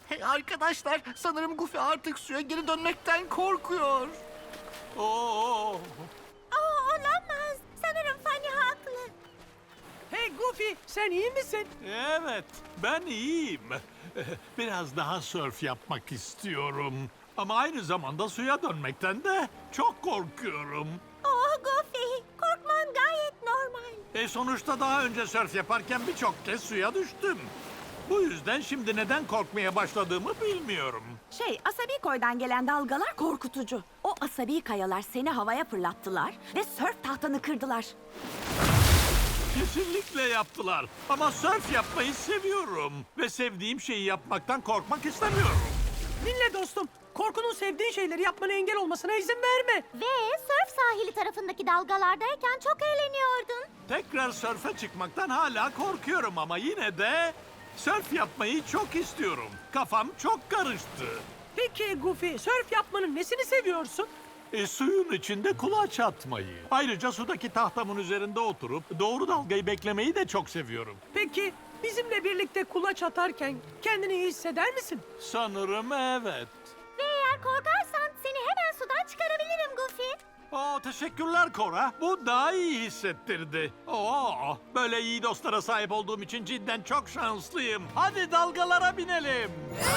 Hey arkadaşlar, sanırım Goofy artık suya geri dönmekten korkuyor. Oo. Olamaz. Sanırım Fanny haklı. Hey Goofy, sen iyi misin? Evet, ben iyiyim. Biraz daha sörf yapmak istiyorum. Ama aynı zamanda suya dönmekten de çok korkuyorum. Oh Goofy, korkman gayet normal. Sonuçta daha önce sörf yaparken birçok kez suya düştüm. Bu yüzden şimdi neden korkmaya başladığımı bilmiyorum. Asabi koydan gelen dalgalar korkutucu. O asabi kayalar seni havaya fırlattılar ve sörf tahtanı kırdılar. Kesinlikle yaptılar. Ama sörf yapmayı seviyorum. Ve sevdiğim şeyi yapmaktan korkmak istemiyorum. Dinle dostum, korkunun sevdiğin şeyleri yapmana engel olmasına izin verme. Ve sörf sahili tarafındaki dalgalardayken çok eğleniyordun. Tekrar sörfe çıkmaktan hala korkuyorum ama yine de sörf yapmayı çok istiyorum. Kafam çok karıştı. Peki Goofy, sörf yapmanın nesini seviyorsun? Suyun içinde kulaç atmayı. Ayrıca sudaki tahtamın üzerinde oturup doğru dalgayı beklemeyi de çok seviyorum. Peki, bizimle birlikte kulaç atarken kendini iyi hisseder misin? Sanırım evet. Ve eğer korkarsan seni hemen sudan çıkarabilirim Goofy. Teşekkürler Cora. Bu daha iyi hissettirdi. Böyle iyi dostlara sahip olduğum için cidden çok şanslıyım. Hadi dalgalara binelim.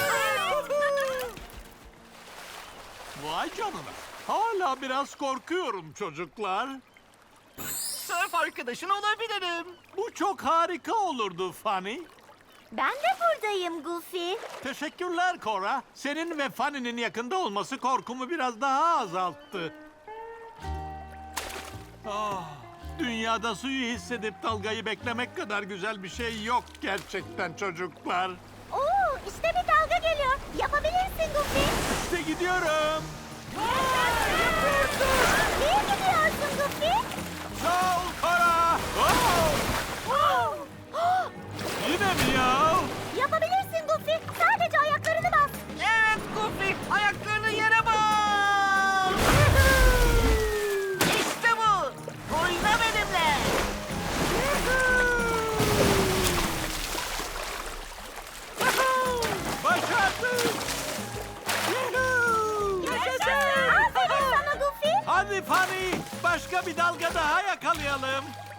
Vay canına. Hala biraz korkuyorum çocuklar. Sörf arkadaşın olabilirim. Bu çok harika olurdu Fanny. Ben de buradayım Goofy. Teşekkürler Cora. Senin ve Fanny'nin yakında olması korkumu biraz daha azalttı. Dünyada suyu hissedip dalgayı beklemek kadar güzel bir şey yok gerçekten çocuklar. Oo, işte bir dalga geliyor. Yapabilirsin Goofy. İşte gidiyorum. Niye gidiyorsun Goofy? Sağ ol Cora. Yine mi ya? Yapabilirsin Goofy. Sadece ayaklarını bas. Evet Goofy, ayaklarını yere bas. İşte bu. Oyna benimle. Başardık. Aferin sana Goofy. Hadi Fanny, başka bir dalga daha yakalayalım.